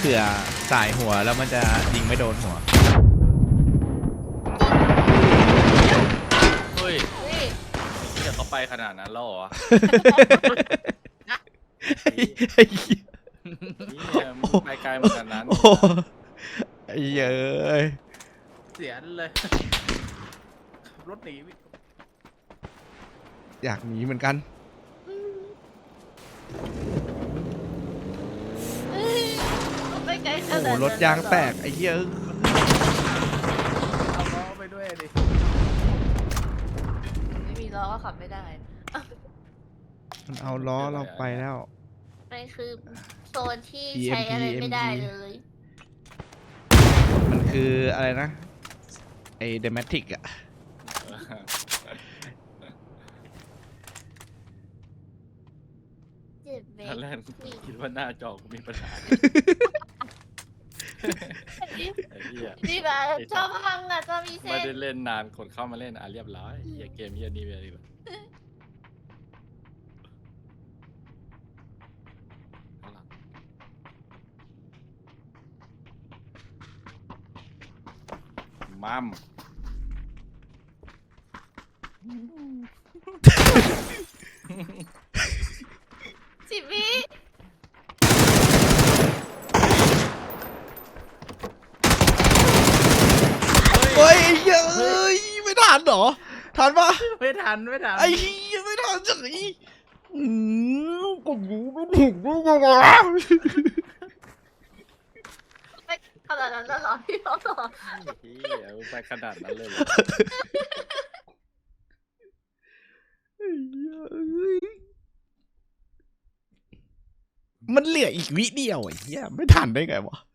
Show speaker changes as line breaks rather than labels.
ผื่อสายหัวแล้วมันจะยิงไม่โดนหัว
เฮ้ย
เฮ้ย
เดี๋ยวเขาไปขนาดนั้นแล้วเหรอ
ไอ้เหี้ย
นี่มึงไปไกลเหมือนกันนั้น
โอ้ไอ้เย้ย
เสียเลยขับรถหนี
อยากหนีเหมือนกัน
เฮ้ยไปไกลข
โอ้
นาด
โห
นั้น
รถยางแตกไอ้เหี้ย
เอาล้อไปด้วยดิ
ไม่มีล้อก็ขับไม่ได้
มันเอาล้อเราไปแล้ว
มันคือโซนที่
PMP
ใช้อะไรไม่ได้เลย
มันคืออะไรนะไอ้เดมทิกอะ
เจ็บเบ
ตอนแรกคิดว่าหน้าจอกูมีปัญหาไอ้เหี้ย
นี่แบบชอบพังอ่ะจะมีเส้
ไม่
น
ได้เล่นนานคนเข้ามาเล่นเรียบร้อยเหี้ยเกมเหี้ยนี่ไปเลยแบบมัม
สิบวิ
เฮ้ยไอ้เหี้ยเอ้ยไม่ทันเหรอทันปะ
ไม่ทัน
ไอ้เหี้ยไม่ทันจังอีกูยิงไม่ถึงได้ไงวะ
ไปขนาดนั้นแล้วเหรอพี่เขาเหรอ
เหี้ยมึงไปขนาดนั้นเลยเหรอ
ไอ้เหี้ยเอ้ยมันเหลืออีกวิเดียวไอ้เหี้ยไม่ทันได้ไงวะ